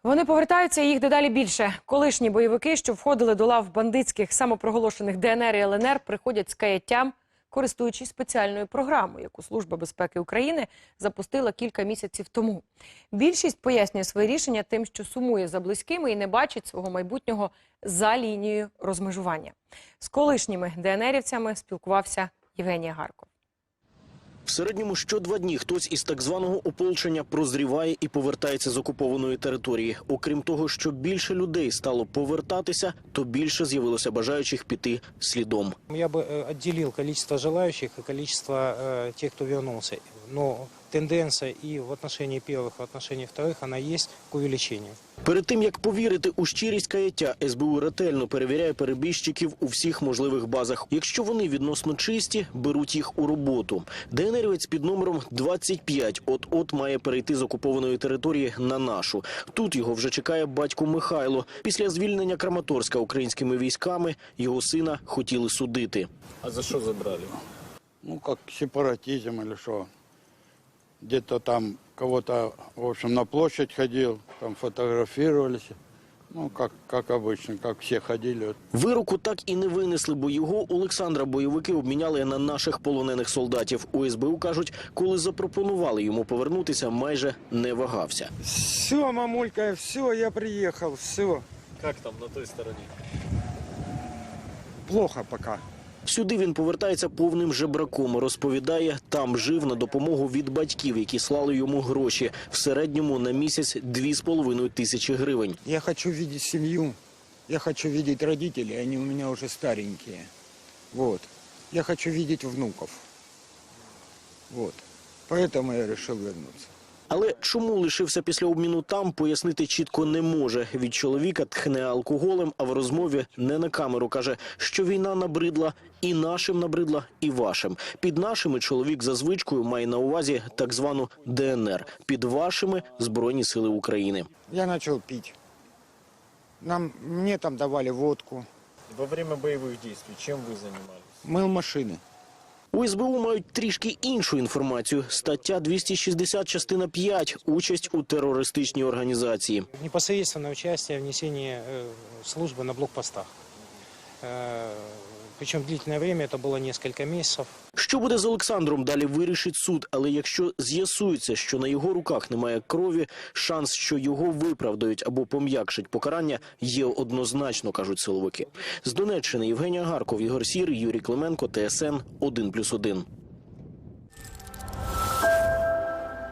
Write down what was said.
Вони повертаються, і їх дедалі більше. Колишні бойовики, що входили до лав бандитських самопроголошених ДНР і ЛНР, приходять з каяттям, користуючись спеціальною програмою, яку Служба безпеки України запустила кілька місяців тому. Більшість пояснює своє рішення тим, що сумує за близькими і не бачить свого майбутнього за лінією розмежування. З колишніми ДНРівцями спілкувався Євгеній Гарков. В середньому що 2 дні хтось із так званого ополчення прозріває і повертається з окупованої території. Окрім того, що більше людей стало повертатися, то більше з'явилося бажаючих піти слідом. Я бы отделил количество желающих и количество тех, кто вернулся. Но тенденция и в отношении первых, и в отношении вторых, она есть к увеличению. Перед тим, як повірити у щирість каяття, СБУ ретельно перевіряє перебіжчиків у всіх можливих базах. Якщо вони відносно чисті, беруть їх у роботу. ДНРівець під номером 25 от-от має перейти з окупованої території на нашу. Тут його вже чекає батько Михайло. Після звільнення Краматорська українськими військами його сина хотіли судити. А за що забрали? Ну, как сепаратизм или что. Где-то там кого-то, в общем, на площадь ходил, там фотографировались. Ну, как обычно, как все ходили. Вироку так і не винесли, бо його Олександра бойовики обміняли на наших полонених солдатів. У СБУ кажуть, коли запропонували йому повернутися, майже не вагався. Все, мамулька, все, я приехал, все. Як там на той стороні? Плохо пока. Сюди він повертається повним жебраком. Розповідає, там жив на допомогу від батьків, які слали йому гроші. В середньому на місяць 2,5 тисячі гривень. Я хочу видеть семью, я хочу видеть родителей, они у меня уже старенькие. Вот. Я хочу видеть внуков. Вот. Поэтому я решил вернуться. Але чому лишився після обміну там, пояснити чітко не може. Від чоловіка тхне алкоголем, а в розмові не на камеру каже, що війна набридла, і нашим набридла, і вашим. Під нашими чоловік за звичкою має на увазі так звану ДНР. Під вашими – Збройні сили України. Я начал пить. Мне там давали водку. Во время бойових дій чим ви займалися? Мыл машины. У СБУ мають трішки іншу інформацію. Стаття 260, частина 5 – участь у терористичній організації. Непосредственное участие в несении службы на блокпостах. Причем длительное время, это было несколько месяцев. Що буде з Олександром, далі вирішить суд. Але якщо з'ясується, що на його руках немає крові, шанс, що його виправдають або пом'якшать покарання, є однозначно, кажуть силовики. З Донеччини Євгенія Гарков, Ігор Сірий, Юрій Клименко, ТСН 1+1.